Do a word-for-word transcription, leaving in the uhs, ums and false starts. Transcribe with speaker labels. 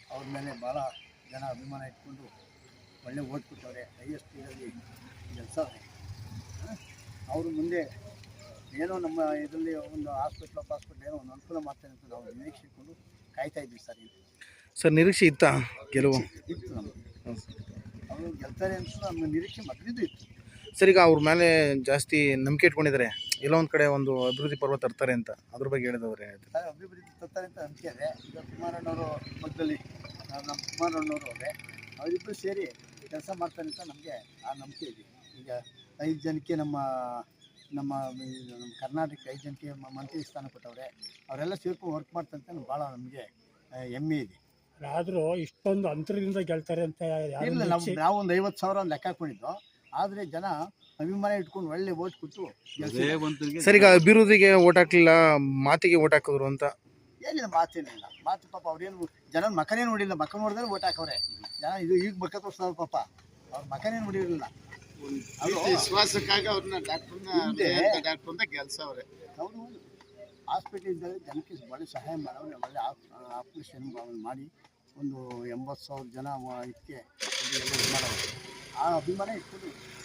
Speaker 1: ಅವ್ರ ಮೇಲೆ ಭಾಳ ಜನ ಅಭಿಮಾನ ಇಟ್ಕೊಂಡು ಒಳ್ಳೆ ಓಟ್ ಕೊಟ್ಟವ್ರೆ, ಹೈಯೆಸ್ಟ್ ಇದರಲ್ಲಿ ಗೆಲ್ಸವ್ರೆ. ಅವರು ಮುಂದೆ ಏನೋ ನಮ್ಮ ಇದರಲ್ಲಿ ಒಂದು ಹಾಸ್ಪಿಟ್ಲ್ ಹಾಸ್ಪಿಟ್ಲ್ ಏನೋ ಒಂದು ಅನುಕೂಲ ಮಾಡ್ತಾರೆ ಅಂತ ನಾವು ನಿರೀಕ್ಷೆ ಇಟ್ಕೊಂಡು ಕಾಯ್ತಾ ಇದ್ವಿ ಸರ್.
Speaker 2: ಸರ್ ನಿರೀಕ್ಷೆ ಇತ್ತಾ ಗೆಲುವು?
Speaker 1: ಇತ್ತು ನಮಗೆ, ಅವರು ಗೆಲ್ತಾರೆ ಅಂತ ನಮ್ಮ ನಿರೀಕ್ಷೆ ಮೊದಲಿದ್ದು ಇತ್ತು
Speaker 2: ಸರ್. ಈಗ ಅವ್ರ ಮೇಲೆ ಜಾಸ್ತಿ ನಂಬಿಕೆ ಇಟ್ಕೊಂಡಿದ್ದಾರೆ, ಎಲ್ಲ ಒಂದು ಕಡೆ ಒಂದು ಅಭಿವೃದ್ಧಿ ಪರ್ವ ತರ್ತಾರೆ ಅಂತ, ಅದ್ರ ಬಗ್ಗೆ ಹೇಳಿದವ್ರೆ.
Speaker 1: ಅಭಿವೃದ್ಧಿ ತರ್ತಾರೆ ಅಂತ ನಂಬಿಕೆ ಇದೆ. ಈಗ ಕುಮಾರಣ್ಣವರು ಮಧ್ಯದಲ್ಲಿ ನಮ್ಮ ಕುಮಾರಣ್ಣವರು ಅವರೇ, ಅವರಿಬ್ಬರು ಸೇರಿ ಕೆಲಸ ಮಾಡ್ತಾರೆ ಅಂತ ನಮಗೆ ಆ ನಂಬಿಕೆ ಇದೆ. ಈಗ ಐದು ಜನಕ್ಕೆ ನಮ್ಮ ನಮ್ಮ ನಮ್ಮ ಕರ್ನಾಟಕ ಐದು ಜನಕ್ಕೆ ಮಂತ್ರಿ ಸ್ಥಾನ ಕೊಟ್ಟವ್ರೆ, ಅವರೆಲ್ಲ ಸೇರ್ಕೊಂಡು ವರ್ಕ್ ಮಾಡ್ತಾರೆ ಅಂತ ಭಾಳ ನಮಗೆ ಹೆಮ್ಮೆ ಇದೆ.
Speaker 3: ಆದರೂ ಇಷ್ಟೊಂದು ಅಂತರದಿಂದ ಗೆಲ್ತಾರೆ ಅಂತ
Speaker 1: ಇಲ್ಲ, ನಾವು ನಾವು ಒಂದು ಐವತ್ತು ಸಾವಿರ ಲೆಕ್ಕ ಹಾಕೊಂಡಿದ್ದು, ಆದರೆ ಜನ ಅಭಿಮಾನ ಇಟ್ಕೊಂಡು ಒಳ್ಳೆ ಓಟ್ ಕೊಟ್ಟು
Speaker 2: ಸರ್. ಈಗ ಅಭಿವೃದ್ಧಿಗೆ ಓಟ್ ಹಾಕ್ಲಿಲ್ಲ, ಮಾತಿಗೆ ಓಟ್ ಹಾಕಿದ್ರು ಅಂತ
Speaker 1: ಏನಿಲ್ಲ, ಮಾತೇನಿಲ್ಲ. ಮಾತು ಪಾಪ ಅವ್ರೇನು ಜನ ಮಕನೇ ನೋಡಿಲ್ಲ, ಮಕ ನೋಡಿದ್ರೆ ಓಟ್ ಹಾಕವ್ರೆ ಜನ. ಇದು ಈಗ ಮಕ ತೋರಿಸ್ತಾವ್ರ ಪಾಪ, ಅವ್ರ ಮಕನೇ ನೋಡಿರಲಿಲ್ಲ.
Speaker 4: ವಿಶ್ವಾಸಕ್ಕಾಗಿ ಅವ್ರನ್ನ ಡಾಕ್ಟರ್ ಗೆಲ್ಸವ್ರೆ.
Speaker 1: ಅವರು ಹಾಸ್ಪಿಟಲ್ ಇದ್ದಾಗ ಜನಕ್ಕೆ ಒಳ್ಳೆ ಸಹಾಯ ಮಾಡೋರು, ಒಳ್ಳೆ ಆಪ್ರೇಷನ್ ಮಾಡಿ ಒಂದು ಎಂಬತ್ತು ಸಾವಿರ ಜನ ಇದಕ್ಕೆ ಮಾಡೋರು. ಆ ಅಭಿಮಾನ ಇಟ್ಕೊಂಡು